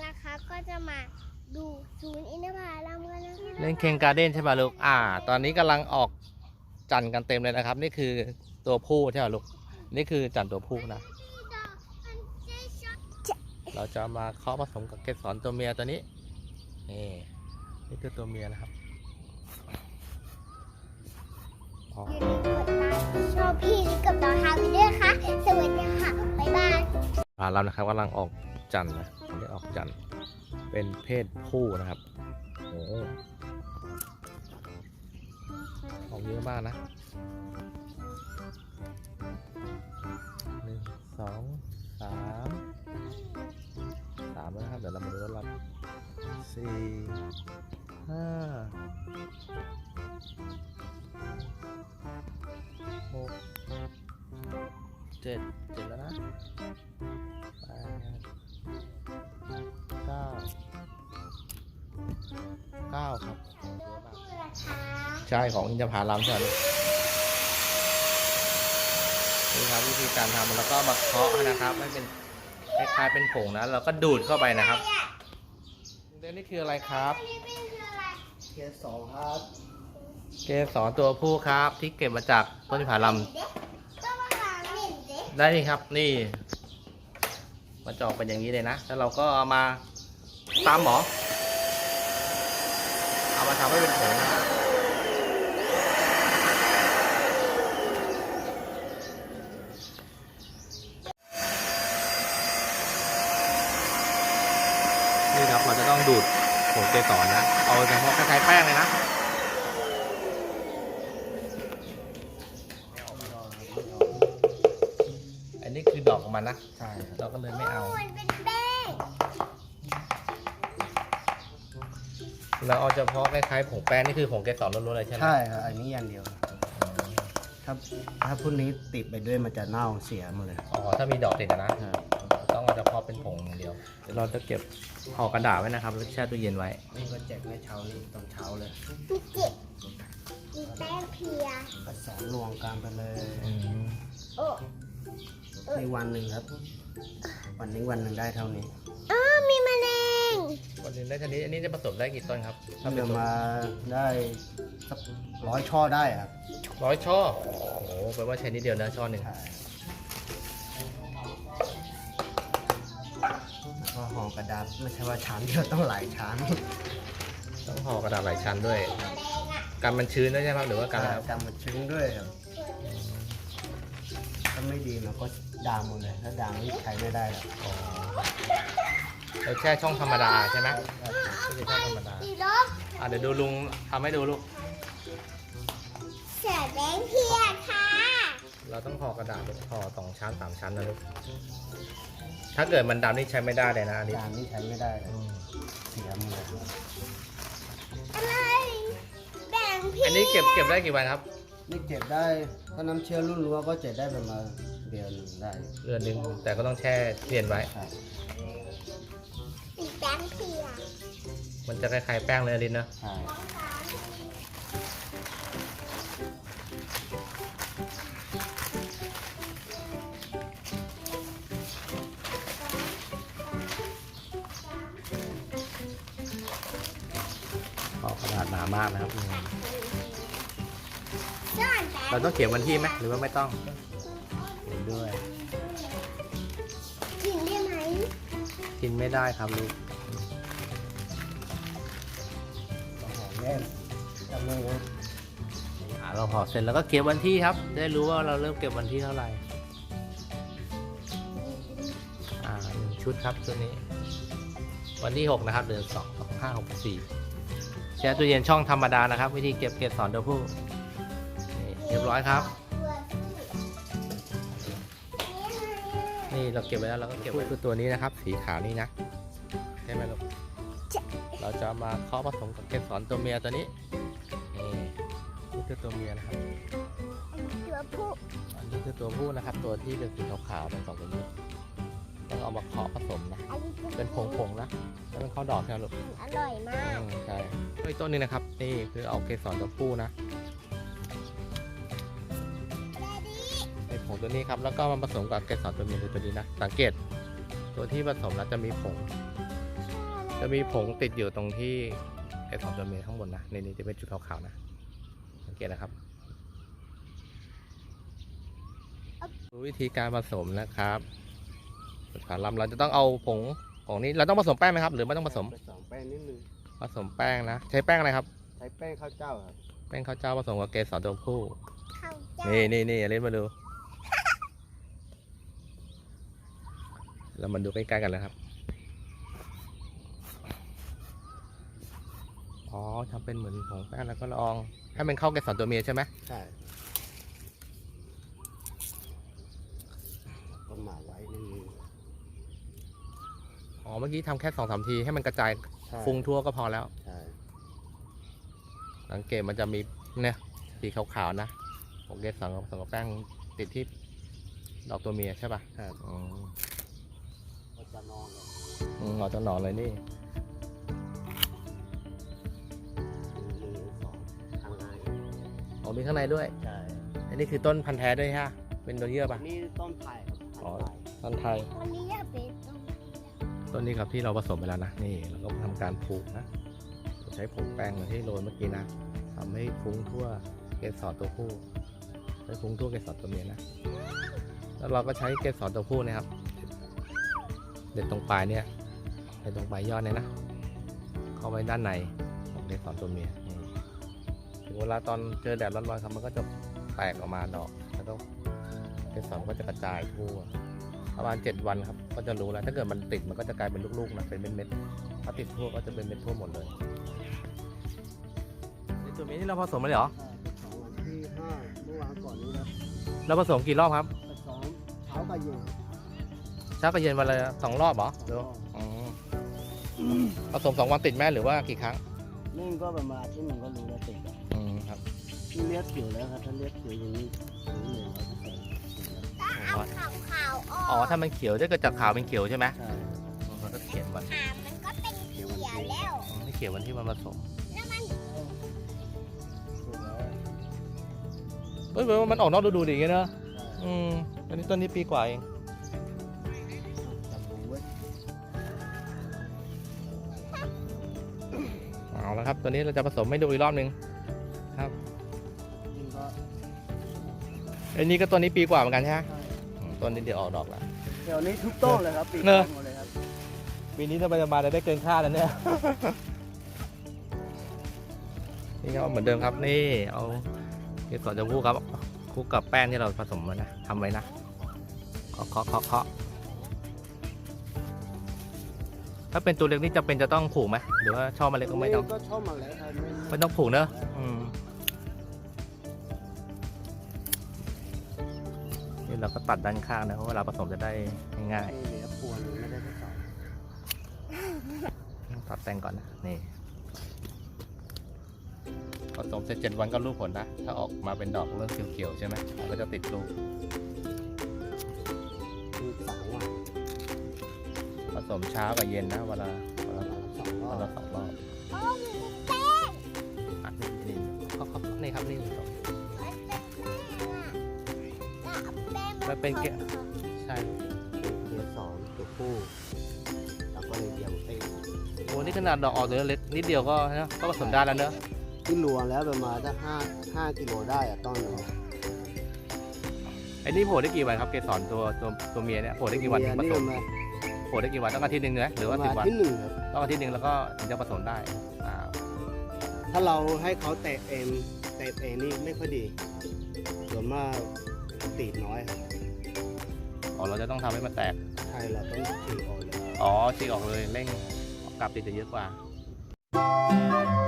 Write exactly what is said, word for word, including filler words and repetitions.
นะคะก็จะมาดูศูนย์อินทผลัมกันนะคะเล่นเคงการ์เด้นใช่ป่ะลูกอ่าตอนนี้กำลังออกจันทร์กันเต็มเลยนะครับนี่คือตัวผู้ใช่ป่ะลูกนี่คือจันทร์ตัวผู้นะเราจะมาเคาะผสมกับเกสรตัวเมียตัวนี้นี่นี่คือตัวเมียนะครับอย่าลืมกดไลค์ชอบพี่กับน้องฮาวิเดอร์ค่ะสวัสดีค่ะบ๊ายบายผาเรานะครับกำลังออกจันทร์นะได้ออกจันทร์เป็นเพศผู้นะครับโอ้ออกเยอะมากนะหนึ่งสองสามสามแล้วนะครับเดี๋ยวเรามาดูรอบสี่ห้าหกเจ็ดเจ็ดแล้วนะแปดเก้าเก้าครับใช่ของอินทผลัมใช่ไหมนี่ครับวิธีการทำแล้วก็มาเคาะนะครับให้เป็นคล้ายๆเป็นผงนะเราก็ดูดเข้าไปนะครับเรื่องนี้คืออะไรครับเกสรครับเกสรตัวผู้ครับที่เก็บมาจากต้นอินทผลัมได้นี่ครับนี่มันจะออกเป็นอย่างนี้เลยนะแล้วเราก็เอามาตามหมอเอามาทำให้เป็นผงนะนี่ครับเราจะต้องดูดผงเกสรนะเอาเฉพาะคล้ายๆแป้งเลยนะอันนี้คือดอกของมันนะใช่เราก็เลยไม่เอาเราเอาเฉพาะคล้ายๆผงแป้งนี่คือผงเกสรล้วนๆเลยใช่ไหมใช่ครับอันนี้อย่างเดียวถ้าถ้าพวกนี้ติดไปด้วยมันจะเน่าเสียหมดเลยอ๋อถ้ามีดอกติดนะต้องเอาเฉพาะเป็นผงอย่างเดียวเดี๋ยวเราจะเก็บห่อกระดาษไว้นะครับแล้วแช่ตู้เย็นไว้นี่ก็แจกในเช้านี้ตอนเช้าเลยมีเจ็บมีแป้งเพียผสมรวมกันไปเลยโอ้ในวันหนึ่งครับ วันนี้วันหนึ่งได้เท่านี้อ๋อมีแมลงวันนึงได้ชนิดอันนี้จะผสมได้กี่ต้นครับถ้าเดือมาได้สักร้อยช่อได้ครับร้อยช่อโอ้โหแปลว่าใช้นิดเดียวนะช่อหนึ่งแล้วก็ห่อกระดาษไม่ใช่ว่าชั้นเดียวต้องหลายชั้นต้องห่อกระดาษหลายชั้นด้วยกันมันชื้นด้วยใช่ไหมหรือว่ากันอะไรครับจำมันชื้นด้วยครับถ้าไม่ดีมันก็ดามหมดเลยถ้าดามนี่ใช้ไม่ได้แล้วอ๋อเราแช่ช่องธรรมดาใช่ไหมไม่ใช่ช่องธรรมดาสีลบอ่ะเดี๋ยวดูลุงทำให้ดูลูกเสือแดงเพียค่ะเราต้องห่อกระดาษห่อสองชั้นสามชั้นนะลูกถ้าเกิดมันดำนี่ใช้ไม่ได้เลยนะอันนี้ดามนี่ใช้ไม่ได้เลยเสียหมดเลยอะไรแดงเพียอันนี้เก็บเก็บได้กี่วันครับนี่เก็บได้ถ้าน้ำเชื้อรุ่นรั้วก็เก็บได้ประมาณเดือนหนึ่งได้เดือนหนึ่งแต่ก็ต้องแช่เย็นไว้ครับสีแดงเพียมันจะคล้ายๆแป้งเลยนะลินนะใช่ห่อกระดาษหนามากนะครับซ่อนแดงเราต้องเขียนวันที่ไหมหรือว่าไม่ต้องเขียนด้วยกินได้ไหมกินไม่ได้ครับลูกต้องหอมแน่นจำเลยนะอ่าเราห่อเสร็จแล้วก็เก็บวันที่ครับจะได้รู้ว่าเราเริ่มเก็บวันที่เท่าไหร่อ่าหนึ่งชุดครับชุดนี้ วันที่หกนะครับเดือนสองสองห้าหกสี่แช่ตู้เย็นช่องธรรมดานะครับ วิธีเก็บเกสรตัวผู้นี่เรียบร้อยครับ นี่เราเก็บไว้แล้วเราก็เก็บไว้คือตัวนี้นะครับ สีขาวนี่นะใช่ไหมลูกเราจะมาเคาะผสมกับเกสรตัวเมียตัวนี้นี่นี่คือตัวเมียนะครับตัวผู้อันนี้คือตัวผู้นะครับ ตัวที่เป็นสีขาวๆเป็นสองตัวนี้ต้องเอามาเคาะผสมนะอันนี้เป็นผงๆนะแล้วมันเข้าดอกใช่ไหมลูกอร่อยมากอืมใช่อีกต้นนึงนะครับนี่คือเอาเกสรตัวผู้นะในผงตัวนี้ครับแล้วก็มาผสมกับเกสรตัวเมียคือตัวนี้นะสังเกตตัวที่ผสมแล้วจะมีผงใช่จะมีผงติดอยู่ตรงที่ไอ้สองตัวเมียข้างบนนะนี่นี่จะเป็นจุดขาวๆนะสังเกตนะครับดูวิธีการผสมนะครับขาลำเราจะต้องเอาผงผงนี้เราต้องผสมแป้งไหมครับหรือไม่ต้องผสมผสมแป้งนิดนึงผสมแป้งนะใช้แป้งอะไรครับใช้แป้งข้าวเจ้าครับแป้งข้าวเจ้าผสมกับเกสรตัวผู้เข้าเจ้านี่นี่นี่เล่นมาดู เรามาดูใกล้ๆกันเลยครับอ๋อทำเป็นเหมือนผงแป้งแล้วก็ลองให้มันเข้าเกสรตัวเมียใช่ไหมใช่ต้นหมาไว้นิดนึงอ๋อเมื่อกี้ทำแค่สองสามทีให้มันกระจายใช่ฟุ้งทั่วก็พอแล้วใช่สังเกตมันจะมีเนี่ยสีขาวๆนะผงเกสรผสมกับแป้งติดที่ดอกตัวเมียใช่ป่ะครับอืมก็จะนอนเลยอืมเอาจะหนอนเลยนี่หนึ่งสองทางในอ๋อมีข้างในด้วยใช่อันนี้คือต้นพันธุ์แท้ด้วยฮะเป็นตัวเยื่อป่ะนี่ต้นไผ่ครับอ๋อต้นไผ่ต้นไทยวันนี้อยากเป็นต้นต้นนี้ครับที่เราผสมไปแล้วนะนี่เราก็ทำการผูกนะใช้ผงแป้งเหมือนที่โรยเมื่อกี้นะทำให้ฟุ้งทั่วเกสรตัวผู้ให้ฟุ้งทั่วเกสรตัวเมียนะแล้วเราก็ใช้เกสรตัวผู้นะครับเด็ดตรงปลายเนี่ยเด็ดตรงปลายยอดเนี่ยนะเข้าไว้ด้านในของเกสรตัวเมียนี่ถึงเวลาตอนเจอแดดร้อนๆครับมันก็จะแตกออกมาดอกแล้วก็เกสรก็จะกระจายทั่วประมาณเจ็ดวันครับก็จะรู้แล้วถ้าเกิดมันติดมันก็จะกลายเป็นลูกๆนะเป็นเม็ดๆถ้าติดทั่วก็จะเป็นเม็ดทั่วหมดเลยในตัวนี้ที่เราผสมมาเลยเหรอสองวันที่ห้าเมื่อวานก่อนนี้ครับเราผสมกี่รอบครับผสมเช้ากับเย็นเช้ากับเย็นวันละสองรอบเหรอสหรือองรอบอ๋อผสมสองวันติดแม่หรือว่ากี่ครั้งนึ่งก็ประมาณที่หนึ่งก็รู้แล้วติดอะอืมครับที่เลือดเขียวแล้วครับถ้าเลือดเขียวอย่างนี้รู้เลยว่าจะใส่เอาขาวขาวๆออกอ๋อถ้ามันเขียวถ้าเกิดจากขาวเป็นเขียวใช่ไหมใช่มันก็เขียนวันหางมันก็เป็นเขียวแล้วอืมไม่เขียววันที่มันผสมแล้วมันถูกแล้วเฮ้ยมันออกนอกฤดูดีอย่างเงี้ยเนอะใช่อืมตอนนี้ต้นนี้ปีกว่าเองจับหูไว้เอาแล้วครับตัวนี้เราจะผสมให้ดูอีกรอบหนึ่งครับกินก็อันนี้ก็ต้นนี้ปีกว่าเหมือนกันใช่ไหมใช่อืมต้นนี้เดี๋ยวออกดอกแล้วเดี๋ยวนี้ทุกต้นเลยครับปีกเนอะหมดเลยครับปีนี้ถ้าไปมาจะได้เกินคาดแล้วเนี่ย นี่ก็เหมือนเดิมครับนี่เอาเกสรจะพูครับคลุกกับแป้งที่เราผสมมานะทำไว้นะเคาะเคาะเคาะเคาะถ้าเป็นตัวเล็กนี่จะเป็นจะต้องผูกไหมหรือว่าชอบมาเล็กก็ไม่ต้องก็ชอบมาแล้วครับไม่ต้องผูกเนอะอืมนี่เราก็ตัดด้านข้างนะเพราะเวลาผสมจะได้ง่ายนี่เหลือพวงไม่ได้ทดสอบๆตัดแต่งก่อนนะนี่ผสมเสร็จเจ็ดวันก็รู้ผลนะถ้าออกมาเป็นดอกเริ่มเขียวๆใช่ไหมมันก็จะติดลูกมีสามวันผสมเช้ากับเย็นนะเวลาเวลาสองรอวันบละสองรอบโอ้มีแป้งอ่ะนี่นี่เขาเขานี่ครับนี่ผสมมันเป็นแป้งอ่ะแล้วเอาแป้งมามันเป็นแกะ ใช่เดือนสองตัวผู้แล้วก็เลยเดียวเต็มโอ้นี่ขนาดดอกออกตัวเล็กนิดเดียวก็นะก็ผสมได้แล้วเนอะที่รวมแล้วประมาณถ้าห้าห้ากิโลได้อะต้นหนึ่งไอ้นี่โผล่ได้กี่วันครับเกสรตัวตัวตัวเมียเนี่ยโผล่ได้กี่วันถึงผสมมาโผล่ได้กี่วันต้องอาทิตย์หนึ่งเนอะหรือว่าประสิบมาวัณนที่หนึ่งครับต้องอาทิตย์หนึ่งแล้วก็ถึงจะผสมได้อ่าถ้าเราให้เขาเตะเองเตะเองนี่ไม่ค่อยดีส่วนมากตีดน้อยครับอ๋อเราจะต้องทำให้มันแตกใช่เราต้องฉีกออกเลยอ๋อฉีกออกเลยเร่งกลับติดจะเยอะกว่าเ